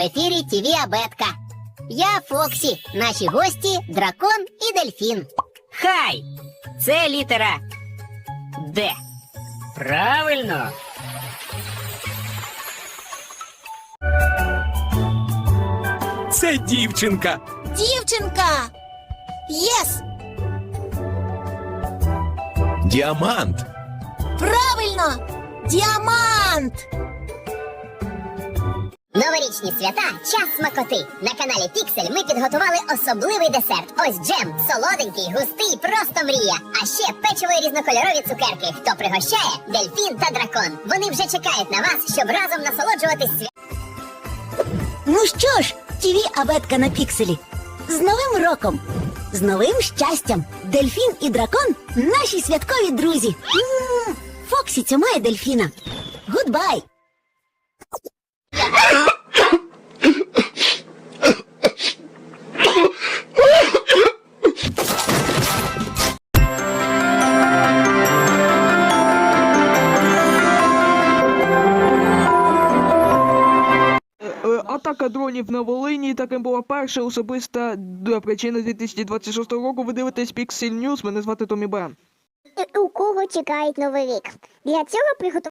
ефірі ТВ Абетка. Я Фоксі, наші гості Дракон і Дельфін. Хай! Це літера Д. Правильно. Це дівчинка. Дівчинка! Єс! Діамант. Правильно! Діамант! Новорічні свята – час смакоти. На каналі Піксель ми підготували особливий десерт. Ось джем, солоденький, густий, просто мрія. А ще печиво і різнокольорові цукерки. Хто пригощає? Дельфін та дракон. Вони вже чекають на вас, щоб разом насолоджуватись святом. Ну що ж, ТВ Абетка на Пікселі. З Новим роком! З новим щастям! Дельфін і дракон – наші святкові друзі! Фоксі цьомає дельфіна! Гудбай! Атака дронів на Волині. Таким була перша особиста причина 2026 року. Ви дивитесь Pixel News. Мене звати Томі Бен. У кого чекають Новий рік. Для цього приготували